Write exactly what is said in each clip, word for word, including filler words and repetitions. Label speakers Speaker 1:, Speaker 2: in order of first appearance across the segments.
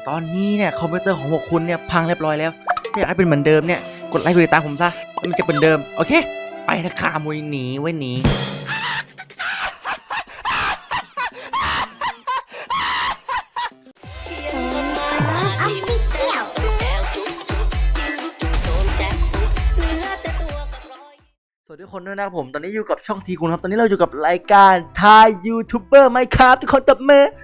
Speaker 1: ตอนนี้เนี่ยคอมพิวเตอร์ของพวกคุณเนี่ยพังเรียบร้อยแล้วถ้าอยากให้เป็นเหมือนเดิมเนี่ยกดไลค์กดติดตามผมซะมันจะเป็นเดิมโอเคไปละค่ะมวยหนีไว้หนีสวัสดีทุกคนด้วยนะครับผมตอนนี้อยู่กับช่องทีคุณครับตอนนี้เราอยู่กับรายการทายยูทูบเบอร์ไหมครับทุกคนตบมือ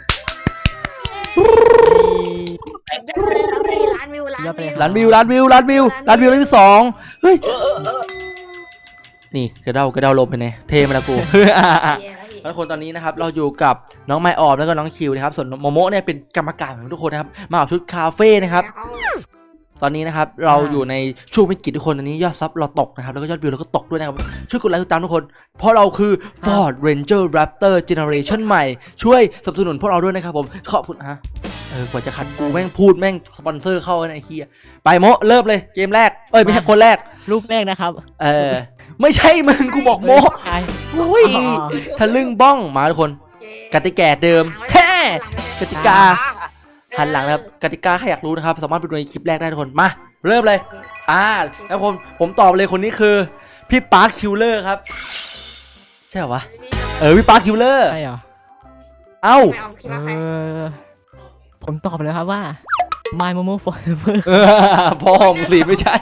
Speaker 2: ล้านวิวล้านวิว
Speaker 1: ล้านวิวล้านวิวล้านวิวล้านวิวล้านวิวสองเฮ้ยนี่กระเด้ากระเด้าลมไปไหนเทมาแล้วกูทุกคนตอนนี้นะครับเราอยู่กับน้องไมออมแล้วก็น้องคิวนะครับส่วนโมโมเนี่ยเป็นกรรมการของทุกคนนะครับมาเอาชุดคาเฟ่นะครับตอนนี้นะครับเราอยู่ในช่วงวิกฤตทุกคนตอนนี้ยอดซับเราตกนะครับแล้วก็ยอดวิวเราก็ตกด้วยนะครับช่วยกดไลค์ติดตามทุกคนเพราะเราคือ Ford Ranger Raptor Generation ใหม่ช่วยสนับสนุนพวกเราด้วยนะครับผมขอบคุณฮะเออกว่าจะคัดกูแม่งพูดแม่งสปอนเซอร์เข้าไอ้เหี้ยไปโมเริ่มเลยเกมแรกเอ้ยไม่ใช่คนแรก
Speaker 3: รูปแรกนะครับ
Speaker 1: เออไม่ใช่มึงกูบอกโมอุ้ยทะลึ่งบ้องมาทุกคนกติกาเดิมแฮ่กติกาหันหลังนะครับกติกาใครอยากรู้นะครับสามารถไปดูในคลิปแรกได้ทุกคนมาเริ่มเลยอ่าแล้วผมผมตอบเลยคนนี้คือพี่ปาร์คคิวเลอร์ครับใช่เหรอวะเออพี่ปาร์คคิวเลอร์
Speaker 3: ใช่เหรอ
Speaker 1: เอ้า
Speaker 3: เออผมตอบเลยครับว่า My Momo Forever
Speaker 1: พ่อมึงสิไม่ใช่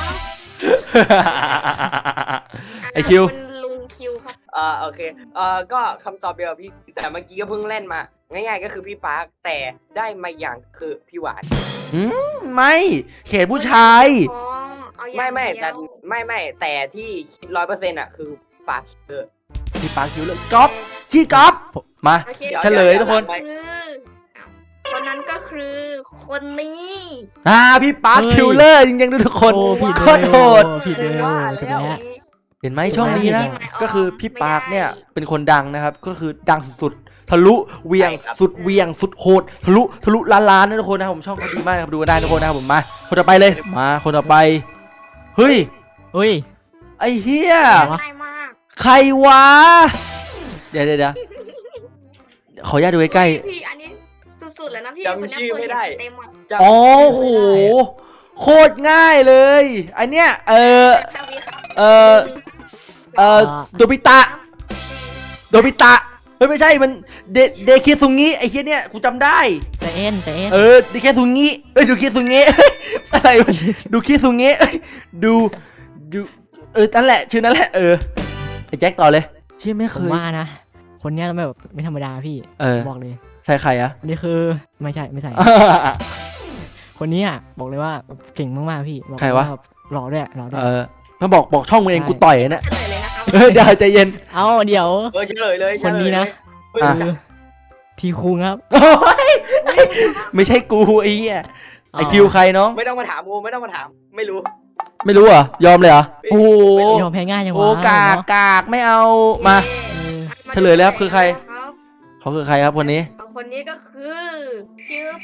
Speaker 1: ไอคิว
Speaker 2: ลุงคิวครับ
Speaker 4: อ่าโอเคเอ่อก็คำตอบเดียวกับพี่แต่เมื่อกี้ก็เพิ่งเล่นมาง่ายๆก็คือพี่ปาร์คแต่ได้มาอย่างคือพี่หวาน
Speaker 1: อืมไม่เขตผู้ชาย
Speaker 4: ไม่ไม่แต่ไม่ไม่แต่ที่คิดร้อยเปอร์เซ็นต์อ่ะคือปาร์คเออ
Speaker 1: พี่ปาร์คคิวเลอร์ก๊อฟขี้ก๊อฟมาเฉลยทุกคน
Speaker 2: คนนั้นก็คือคนนี้
Speaker 1: อ่าพี่ปาร์คคิวเลอร์จริงๆทุกคนโคตรโหด
Speaker 3: ผิดเลย
Speaker 1: เห็นไหมช่องนี้นะก็คือพี่ปาร์คเนี่ยเป็นคนดังนะครับก็คือดังสุดๆทะลุเวียงสุดเวียงสุดโหดทะลุทะลุล้านล้านนะทุกคนนะครับผมช่องเขาดีมากครับดูกันได้ทุกคนนะครับผมมาคนต่อไปเลยมาคนต่อไปเฮ้ย
Speaker 3: เฮ้ย
Speaker 1: ไอ้เหี้ย
Speaker 2: ง่ายมาก
Speaker 1: ใครวะเดี๋ยวเดี๋ยวขออนุญาตดูใกล้
Speaker 2: พี่อันนี้สุดๆเลยนะพี่
Speaker 4: จำชื่อไม่ได้
Speaker 1: โอ้โหโคตรง่ายเลยอันเนี้ยเออเออเออโดบิตะโดบิตะเฮ้ยไม่ใช่มันเดเดเคซุงิไอ้เหี้ยเนี่ยกูจำได้
Speaker 3: ใจเอ็นใจเอ็น
Speaker 1: เออเดเคซุงิเอ้ยดูเคซุงิอะไรดูเคซุงิดูดูเออนั่นแหละชื่อนั่นแหละเออไอ้แจ็คต่อเลยที่ไม่เคย
Speaker 3: ว่านะคนเนี้ยแบบไม่ธรรมดาพี่บอกเลย
Speaker 1: ใส่ใครอะ
Speaker 3: นี่คือไม่ใช่ไม่ใส่คนนี้อ่ะบอกเลยว่าเก่งมากๆพี่
Speaker 1: ใครวะ
Speaker 3: หล่อด้วยหล่อด้วย
Speaker 1: เออมาบอกบอกช่องมึงเองกูต่อยนะ
Speaker 2: เฉลยเลยนะครับ
Speaker 1: เออเดี๋ยวใจเย็น
Speaker 3: เอาเดี๋ยว
Speaker 4: เออเฉลยเลย
Speaker 3: คนนี้นะทีคุงครับ
Speaker 1: ไม่ใช่กูไอ้เหี้ยไอคิวใครน้อง
Speaker 4: ไม่ต้องมาถามกูไม่ต้องมาถามไม่รู้
Speaker 1: ไม่รู้เหรอยอมเลยเหรอโอ้โห
Speaker 3: ยอมแพ้ง่ายยังวะ
Speaker 1: โอ้กากกากไม่เอามาเฉลยแล้วครับคือใครเขาคือใครครับคนนี้
Speaker 2: คนนี้ก็คือคิว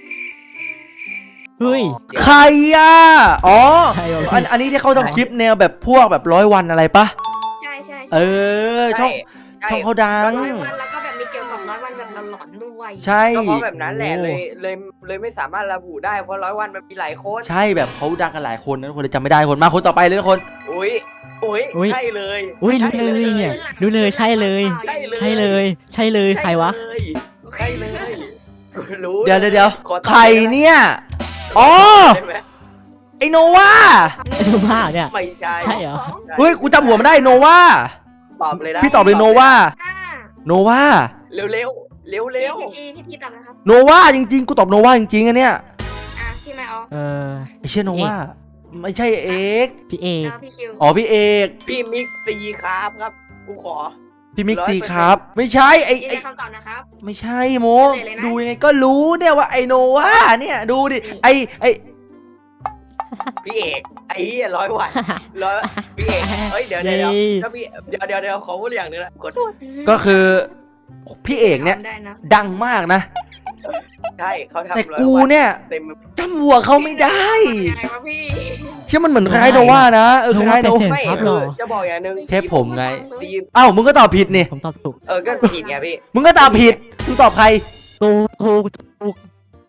Speaker 3: เฮ้ย
Speaker 1: ใครอ่ะอ๋ออันอันนี้ที่เขาทำคลิปแนวแบบพวกแบบร้อยวันอะไรปะ
Speaker 2: ใช่ใช่
Speaker 1: เออช่องช่องเขาดัง
Speaker 2: ร้อยวันแล้วก็แบบมีเกี่ยวกับร้อยวันแบบหลอนๆด้วย
Speaker 1: ใช่
Speaker 4: ก็เพราะแบบนั้นแหละเลยเลยเลยไม่สามารถระบุได้เพราะร้อยวันมันมีหลายคน
Speaker 1: ใช่แบบเขาดังกันหลายคนนะคนเลยจำไม่ได้คนมาคนต่อไปเลยทุกคน
Speaker 4: อุ้ยอุ้ยใช่เลย
Speaker 3: อุ้ยรู้เลยเนี่ยรู้เลยใช่เลยใช่เลยใช่เลยใครวะ
Speaker 4: ใช่เลยรู้
Speaker 1: เดี๋ยวเดี๋ยวใครเนี่ยอ๋อไอโนวา
Speaker 3: ไอโนวาเนี่ย
Speaker 4: ไม่ใช่
Speaker 3: ใช่เหรอ
Speaker 1: เฮ้ยกูจำหัวมันได้โนวา
Speaker 4: ตอบเลยนะ
Speaker 1: พี่ตอบเลยโนวาโนวา
Speaker 4: เร็วเร็วเร็วเร็ว
Speaker 2: พี่พี่พี่ตอบนะครับ
Speaker 1: โนวาจริงๆกูตอบโนวาจริงๆอันเนี้ย
Speaker 2: อ่ะพี่ไม่เอา
Speaker 3: เออ
Speaker 1: ไอเชี่ยโนวาไม่ใช่เอก
Speaker 3: พี่เอก
Speaker 1: อ๋อพี่เอก
Speaker 4: พี่มิกซีครับครับกูขอ
Speaker 1: พี่มิกซีครับไม่ใช่ไอไอ
Speaker 2: คำตอบนะครับ
Speaker 1: ไม่ใช่โมดูยังไงก็รู้เนี่ยว่าไอโนวาเนี่ยดูดิไอไอ
Speaker 4: พี่เอกไอ้ร้อยวันร้อยพี่เอกเฮ้ยเดี๋ยวเดี๋ยวถ้าพี่เดี๋ยวเดี๋ยวเดี๋ยวขอพูดอย่างนึงนะกด
Speaker 1: ก็คือพี่เอกเนี่ยดังมากนะ
Speaker 4: ใช่เขาทำ
Speaker 1: แต่กูเนี่ยจำหัวเขาไม่ได้เชื่อมันเหมือนคล้ายโนวานะเออคล้ายโนวา
Speaker 4: จะบอกอย่างนึง
Speaker 1: แค่ผมไงเอ้ามึงก็ตอบผิดนี่
Speaker 3: ผมตอบถูก
Speaker 4: เออก็ผิดไงพี่
Speaker 1: มึงก็ตอบผิดมึงตอบใคร
Speaker 3: ถูกถูกถูก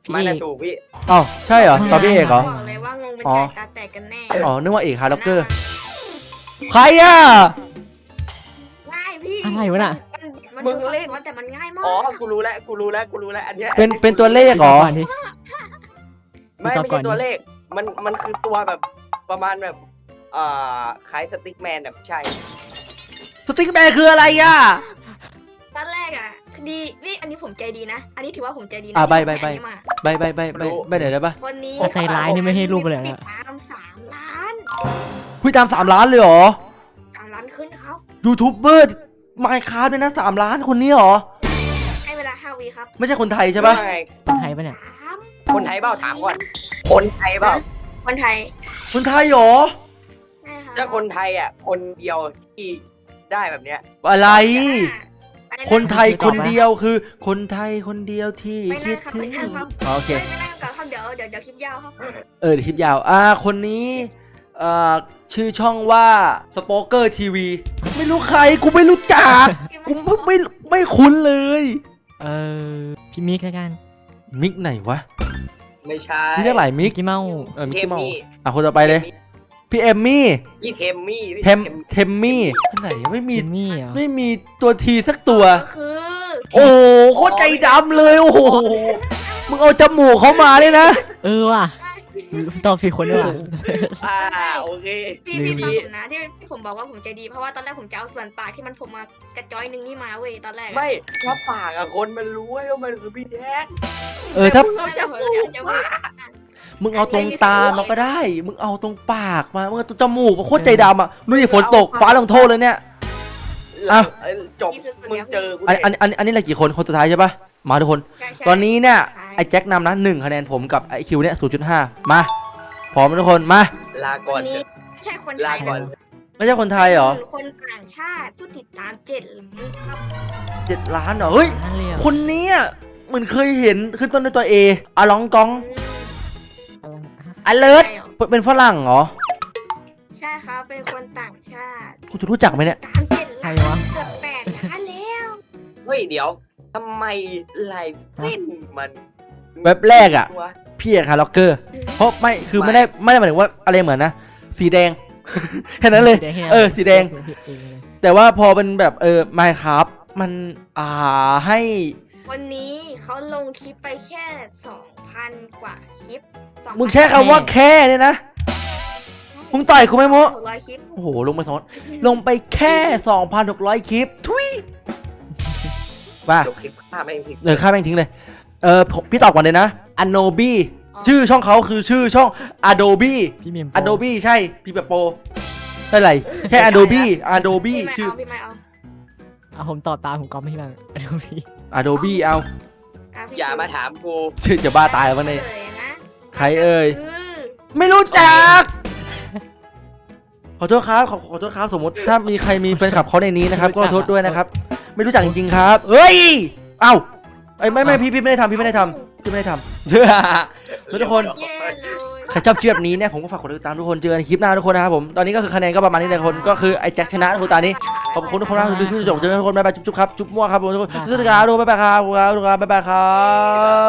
Speaker 3: พี่
Speaker 4: มัน
Speaker 3: เอ
Speaker 4: น่ะ
Speaker 3: ก
Speaker 4: ถูกพี่
Speaker 1: อ้าวใช่เหรอตอบพี่เอกเหรอ
Speaker 2: บอกเลยว่างงเป็น
Speaker 1: อ๋อ
Speaker 2: ไก่ตาแตกกันแน่
Speaker 1: อ๋อนึกว่าเอกฮาร์ล็อกเกอร์ใครอ่ะ
Speaker 2: ง่ายพี่
Speaker 3: อะไรวะน่ะ
Speaker 2: มันมันดูซับซ้อนแต่มันง่ายมาก
Speaker 4: อ๋อกูรู้แล้วกูรู้แล้วกูรู้แล้วอันเนี้ย
Speaker 1: เป็นเป็นตัวเลขเหรอ
Speaker 3: ก่อนดิ
Speaker 4: ไม่
Speaker 3: ตอบ
Speaker 4: ไม่
Speaker 3: ก่อ
Speaker 4: ใช่
Speaker 3: น
Speaker 4: ตัวเลข มันมันคือตัวแบบประมาณแบบอ่าคล้ายสติ๊กแมนแบบใช่
Speaker 1: สติ๊กแมนคืออะไรอ่ะ
Speaker 2: ตอนแรกอ่ะดีนี่อันนี้ผมใจดีนะ อันนี้ถือว่าผมใจดีนะ
Speaker 1: อ่ะใบ
Speaker 2: ที่
Speaker 1: ใบ
Speaker 2: ผม
Speaker 1: ใบ
Speaker 2: แอนนี้มา
Speaker 1: ใบใบใบใบใบไหนได้ปะ
Speaker 2: คนนี้
Speaker 3: ใจร้ายนี่ไม่ให้รูปเลย
Speaker 2: ติด
Speaker 3: นะ
Speaker 2: ตามสามล้าน
Speaker 1: คุยตามสามล้านเลยเหรอ
Speaker 2: สามล้านขึ้นครับ
Speaker 1: ยูทูบเบอร์ไมค์คราฟด้วยนะสามล้านคนนี้เหรอ
Speaker 2: ให้เวลาห้าวิครับ
Speaker 1: ไม่ใช่คนไทยใช่ปะ
Speaker 4: ว่าไง
Speaker 3: คนไทยปะเนี่ย
Speaker 2: สาม
Speaker 4: คนไทยเปล่าถามก่อน คนไทยเปล่า
Speaker 2: คนไทย
Speaker 1: คนไทยเหรอ
Speaker 2: ใช่ครับ
Speaker 4: ถ้าคนไทยอ่ะ คนเดียวที่ได้แบบเนี้ย
Speaker 1: อะไร
Speaker 2: ไปะ
Speaker 1: คนไทยคนเดียวคือ คนไทยคนเดียวที่
Speaker 2: ไม่
Speaker 1: คิ
Speaker 2: นั่
Speaker 1: ด
Speaker 2: งครับ
Speaker 1: ถึง
Speaker 2: ไม่นั่งครับ
Speaker 1: อ๋อโอเค
Speaker 2: ไม่ไม่นั่งก่อนครับเดี๋ยวเดี๋ยวเดี๋ยวคลิปยาวครับ
Speaker 1: เออเดี๋ยวคลิปยาว อ่า คนนี้เอ่อชื่อช่องว่าสปอเกอร์ทีวีไม่รู้ใคร กูไม่รู้จัก กูไม่ไม่ไม่คุ้นเลย
Speaker 3: เออพี่มิกแล้วกัน
Speaker 1: มิกไหนวะ
Speaker 4: ไม่ใช่
Speaker 1: พี่เรียกหลายมิ
Speaker 3: มิ
Speaker 1: ก
Speaker 3: กกี้เมาส์
Speaker 1: เออมิก
Speaker 4: เทม
Speaker 1: กี้เมาส์
Speaker 4: มี่
Speaker 1: อ่ะคนต่อไปเลย พี่เอมมี่
Speaker 4: พี่เทมมี่พี่
Speaker 1: เทมเทมมี่คนไหนไม่มี
Speaker 3: มิมี่เหรอ
Speaker 1: ไม่มีตัวทีสักตัว
Speaker 2: ก็คือ
Speaker 1: โอ้โหโคตรใจดำเลยโอ้โหมึงเอาจมูกเขามาเลยนะ
Speaker 3: เออว่ะตอบผิดคนด้วยว่ะ
Speaker 4: อ่าโอเค
Speaker 2: พี่
Speaker 3: ลื
Speaker 2: พี่
Speaker 3: ม
Speaker 2: ฟังผมนะที่ที่ผมบอกว่าผมใจดีเพราะว่าตอนแรกผมจะเอาส่วนปากที่มันผมมากระจ้อยหนึงนี่มาเว้ยตอนแรกอะ
Speaker 4: ไม่ถ้าปากอะคนมันรู้ว่ามันคือพี่แท็ก
Speaker 1: เออถ้า
Speaker 2: ตอนแรกผมจะจะว่า
Speaker 1: มึงเอาตรงตามาก็ได้ มึงเอาตรงปากมา มึงเอาตรงจมูกมาโคตรใจดำอ่ะดูดิฝนตกฟ้าลงโทษเลยเนี่ย อ่ะ
Speaker 4: เอ้ยจบมึงเจอกู
Speaker 1: อันอันอันอันนี้อะไรกี่คนคนสุดท้ายใช่ปะมาทุกคน
Speaker 2: ใช่ใช่
Speaker 1: ตอนนี้เนี่ย
Speaker 2: ใช่
Speaker 1: ไอ้แจ็คนำนะหนึ่งคะแนนผมกับไอ้คิวเนี่ยศูนย์จุดห้ามาพร้อมไหมทุกคนมา
Speaker 4: ลาก่อน
Speaker 2: วันนี้
Speaker 4: เถอะ
Speaker 2: ไม่ใช่คนไท
Speaker 4: ลาย ก่อน
Speaker 2: นะ
Speaker 1: ไม่ใช่คนไทยเหรอ
Speaker 2: ป็นคนต่างชาติผู้ติดตามเจ็ดล้านครับ
Speaker 1: เจ็ดล้านเหรอเฮ้ย
Speaker 3: นั่นเลยอ่ะ
Speaker 1: คนนี้อ่ะเหมือนเคยเห็นขึ้นต้นด้วยตัวเออะลองกองอเลิร์เป็นฝรั่งเหรอ
Speaker 2: ใช่ครับเป็นคนต่างชาติ
Speaker 1: กูจะรู้จักไหมเนี่ย
Speaker 2: ตามเจ็ด
Speaker 3: ใคร
Speaker 2: ล้าน
Speaker 3: วะ
Speaker 2: เกือบแปดล้านแล้ว
Speaker 4: เฮ้ยเดี๋ยวทำไมลายเส้นมัน
Speaker 1: เว็บแรกอะ
Speaker 4: ว
Speaker 1: พี่เอกฮาร์ล็อกเกอร์ เพราะไม่คือไม่ได้ไม่ได้หมายถึงว่าอะไรเหมือนนะ สีแดง แค่นั้นเลย
Speaker 3: สีแดงให้
Speaker 1: เออสีแดง
Speaker 3: เออเออ
Speaker 1: แต่ว่าพอเป็นแบบเออไมค์ครับมันอ่าให้
Speaker 2: วันนี้เขาลงคลิปไปแค่สองพันกว่าคลิปสองพัน
Speaker 1: มึงใช้คำว่าแค่เนี่ยนะ มึงต่อยกูไหมโม
Speaker 2: หกร้อยคลิป
Speaker 1: โอ้โห ลงไปสองลงไปแค่ สองพันหกร้อย คลิป ทุยว่า
Speaker 4: จบคลิปฆ่าไม่งผิด
Speaker 1: เลยค่าแม่งทิ้งเลย เออผมพี่ตอบก่อนเลยนะ Adobe ชื่อช่องเขาคือชื่อช่อง Adobe
Speaker 3: พี่เมียมโป
Speaker 1: Adobe ใช่พี่แบบโปใช่ไรแค่ Adobe Adobe
Speaker 2: พี่ไม่
Speaker 1: ชื่อ
Speaker 2: เอาพี่ไม่เอา
Speaker 3: อ่ะผมตอบตามผมก๊อปไม่บ้างดูพี่
Speaker 1: Adobe เอา
Speaker 2: อ่ะพี่
Speaker 4: อย่ามาถามกู
Speaker 1: ชื่อจะบ้าตายแล้ววันนี้
Speaker 2: ฉลยนะ
Speaker 1: ใครเอ่ย
Speaker 2: คือ
Speaker 1: ไม่รู้จัก ขอโทษครับขอขอโทษครับสมมติถ้ามีใครมีแฟนคลับเขาในนี้นะครับ ก็ขอโทษด้วยนะครับ ไม่รู้จักจริงๆครับ เฮ้ย เอ้าไอ้ยไม่ไม่พี่พี่ไม่ได้ทำพี่ไม่ได้ทำพี่ไม่ได้ทำ แล้วทุกคน
Speaker 2: แย่เลย
Speaker 1: ใครชอบคลิปแบบนี้เนี่ยผมก็ฝากกดติดตามทุกคนเจอกันในคลิปหน้าทุกคนนะครับผมตอนนี้ก็คือคะแนนก็ประมาณนี้เลยทุกคนก็คือไอ้แจ็คชนะทุกคนตอนนี้ขอบคุณทุกคนมากที่ดูจบเจอกันทุกคนบ๊ายบายจุ๊บๆครับจุ๊บมั่วครับผมทุกคนสวัสดีครับทุกคนบ๊ายบายครับทุกคนบ๊ายบายครับ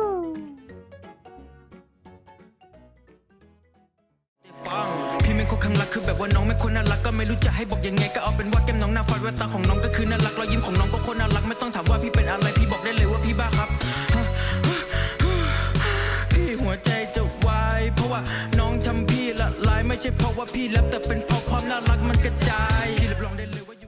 Speaker 5: พี่เป็นคนข้างรักคือแบบว่าน้องไม่คนน่ารักก็ไม่รู้จะให้บอกยังไงก็เอาเป็นว่าแก้มน้องหน้าฟัดแววตาของน้องก็คือน่ารักรอยยิ้มของน้องก็คนน่ารักไม่ต้องถามว่าพี่เป็นอะไรพี่บอกได้เลยว่าพี่บ้าครับพี่หัวใจจะวายเพราะว่าน้องทำพี่ละลายไม่ใช่เพราะว่าพี่แรปแต่เป็นเพราะความน่ารักมันกระจายพี่รับรองได้เลยว่า